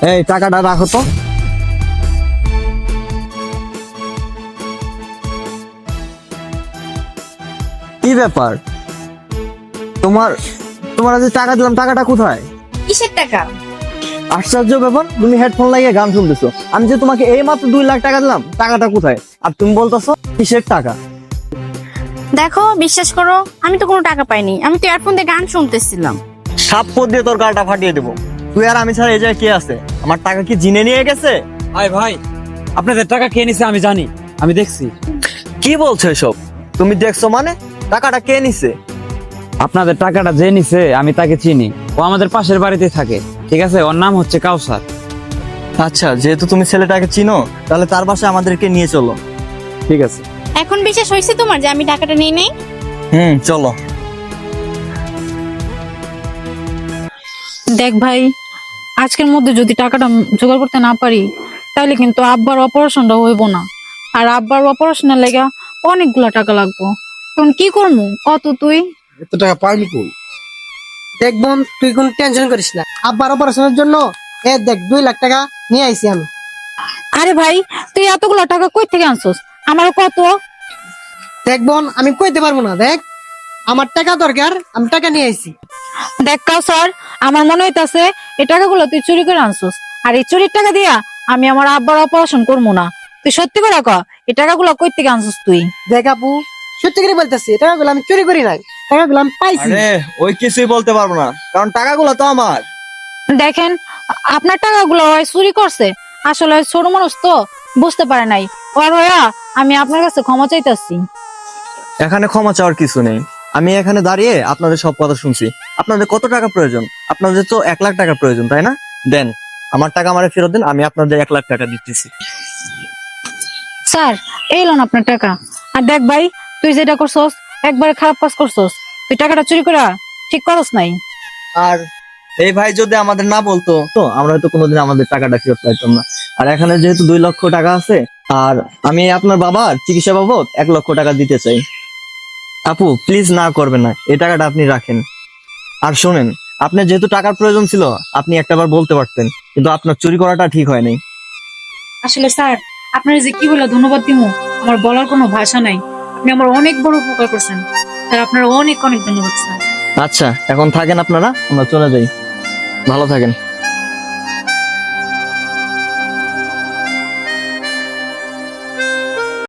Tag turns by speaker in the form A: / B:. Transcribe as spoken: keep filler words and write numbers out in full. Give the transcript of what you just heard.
A: এই টাকাটা রাখো তো। কি ব্যাপার, তোমার তোমার যে টাকা দিলাম টাকাটা কোথায়?
B: কিসের টাকা?
A: আশ্চর্য ব্যাপার, তুমি হেডফোন লাগিয়ে গান শুনতেছো, আমি যে তোমাকে এই মাত্র দুই লাখ টাকা দিলাম, টাকাটা কোথায়? আর তুমি বলতেছো কিসের টাকা?
B: দেখো, বিশ্বাস করো, আমি তো কোনো টাকা পাইনি। আমি তো ইয়ারফোন দিয়ে গান শুনতেছিলাম।
A: সাপ পদ দিয়ে তোর গালটা ফাটিয়ে দেবো। তুই আর আমি ছাড়া এই জায়গায় কে আছে? আমার টাকা কি জিনে নিয়ে গেছে?
C: ভাই ভাই, আপনাদের টাকা খেয়ে নিছে, আমি জানি, আমি দেখছি।
A: কি বলছো এসব? তুমি দেখছো মানে? টাকাটা কে নিছে?
C: আপনাদের টাকাটা যে নিছে আমি তাকে চিনি, ও আমাদের পাশের বাড়িতে থাকে, ঠিক আছে? ওর নাম হচ্ছে কাউসার।
A: আচ্ছা, যেহেতু তুমি ছেলেটাকে চিনো, তাহলে তার বাসায় আমাদেরকে নিয়ে চলো।
C: ঠিক আছে।
B: এখন বিশ্বাস হয়েছে তোমার যে আমি টাকাটা নিয়ে নেই?
A: হুম, চলো।
D: দেখ ভাই, আজকের মধ্যে যদি টাকাটা জোগাড় করতে না পারি তাহলে কিন্তু আব্বার অপারেশনটা হইব না। আর আব্বার অপারেশনের লেগে অনেকগুলা টাকা লাগবো। তখন কি করবো কত তুই?
E: এত টাকা পাইলি কই? দেখ বোন, তুই কোন টেনশন করিস না। আব্বার অপারেশনের জন্য এ দেখ দুই লাখ টাকা নিয়ে আইছি আমি।
D: আরে ভাই, তুই এতগুলা টাকা কই থেকে আনছস? আমারও কত।
E: দেখ বোন, আমি কইতে পারবো না। দেখ, আমার টাকা দরকার, আমি টাকা নিয়ে আইছি।
D: দেখ কাউসার, আমার মনে হইতাছে এই টাকাগুলো তুই চুরি করে আনছস। আর এই চুরির টাকা দিয়া আমি আমার আব্বার অপারেশন করবো না। তুই সত্যি করে ক, এই টাকাগুলো কই থেকে আনছস তুই?
E: দেখ আপু, সত্যি করে বলতেছি, টাকাগুলো আমি চুরি করি নাই, টাকাগুলো আমি পাইছি।
A: আরে ওই কিছুই বলতে পারবো না, কারণ টাকাগুলো তো আমার।
D: দেখেন, আপনার টাকাগুলো হয় চুরি করছে, আসলে ছোট মানুষ তো বুঝতে পারে নাই। ওর হইয়া আমি আপনার কাছে ক্ষমা চাইতাছি।
A: এখানে ক্ষমা চাওয়ার কিছু নেই। আমি এখানে দাঁড়িয়ে আপনাদের সব কথা শুনছি। আপনাদের কত টাকা প্রয়োজন? আপনাদের তো এক লাখ টাকা প্রয়োজন, তাই না? দেন, আমার টাকা আমারে ফেরত দেন, আমি আপনাদের এক লাখ টাকা দিতেছি।
D: স্যার, এই লোন আপনার টাকা। আর দেখ ভাই, তুই যেটা করছস একবারে খারাপ কাজ করছস। তুই টাকাটা চুরি করা ঠিক করস নাই।
A: আর এই ভাই যদি আমাদের না বলতো তো আমরা হয়তো কোনোদিন আমাদের টাকাটা ফেরত পাইতাম না। আর এখানে যেহেতু দুই লক্ষ টাকা আছে, আর আমি আপনার বাবার চিকিৎসা বাবদ এক লক্ষ টাকা দিতে চাই। আপু প্লিজ না করবেন না, এই টাকাটা আপনি রাখেন। আর শোনেন, আপনার যেহেতু টাকার প্রয়োজন ছিল, আপনি একটাবার বলতে পারতেন, কিন্তু আপনার চুরি করাটা ঠিক হয় নাই।
D: আসলে স্যার, আপনার যে কি বলে ধন্যবাদ দিমু আমার বলার কোনো ভাষা নাই। আপনি আমার অনেক বড় উপকার করছেন স্যার, আপনার অনেক অনেক ধন্যবাদ স্যার।
A: আচ্ছা, এখন থাকেন আপনারা, আমরা চলে যাই। ভালো থাকেন।